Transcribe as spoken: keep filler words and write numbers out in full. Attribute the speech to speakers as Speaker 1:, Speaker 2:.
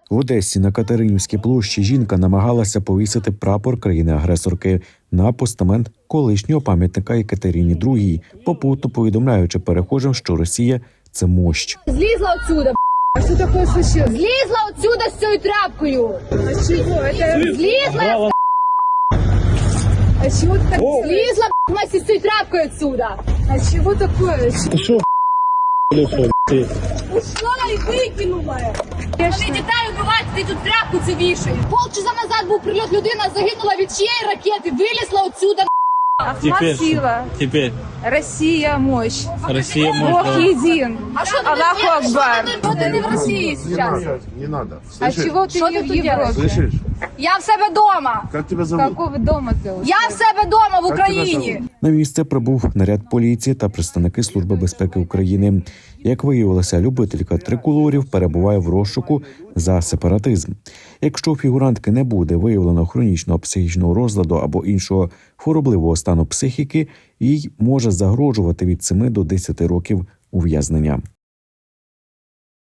Speaker 1: В Одесі на Катеринівській площі жінка намагалася повісити прапор країни-агресорки на постамент колишнього пам'ятника Екатерині другій, попутно повідомляючи перехожим, що Росія – це мощ.
Speaker 2: Злізла отсюда,
Speaker 3: А что такое случилось?
Speaker 2: злізла отсюда з цією тряпкою.
Speaker 3: А чего? Это...
Speaker 2: Злізла,
Speaker 3: А чего ты так...
Speaker 2: злізла вместе з цією тряпкою отсюда.
Speaker 3: А чего такое?
Speaker 2: Ушла і викинула. Вони дітей вбивають, ти тут тряпку це вішаєш. Полчаса назад був прильот, людина загинула від чиєї ракети, вилізла отсюда.
Speaker 3: Ахмат
Speaker 4: Теперь,
Speaker 3: сила.
Speaker 4: теперь
Speaker 3: Россия мощь.
Speaker 4: Россия может...
Speaker 3: Бог един.
Speaker 2: А що ти
Speaker 3: Аллаху
Speaker 2: не
Speaker 3: Акбар.
Speaker 2: Що ти не в Росії зараз?
Speaker 5: Не надо.
Speaker 3: А
Speaker 5: Слышишь?
Speaker 3: чего ты
Speaker 2: Что
Speaker 3: не
Speaker 2: ты
Speaker 3: в
Speaker 2: тут
Speaker 3: Европе?
Speaker 5: Слышишь?
Speaker 2: Я в себе вдома.
Speaker 5: Как тебя зовут?
Speaker 3: Какого дома ты?
Speaker 2: Я в себе вдома в
Speaker 5: Як тебе
Speaker 2: Україні.
Speaker 5: зовут?
Speaker 1: На місце прибув наряд поліції та представники Служби безпеки України. Як виявилося, любителька триколорів перебуває в розшуку за сепаратизм. Якщо у фігурантки не буде виявлено хронічного психічного розладу або іншого хворобливого стану психіки, їй може загрожувати від семи до десяти років ув'язнення.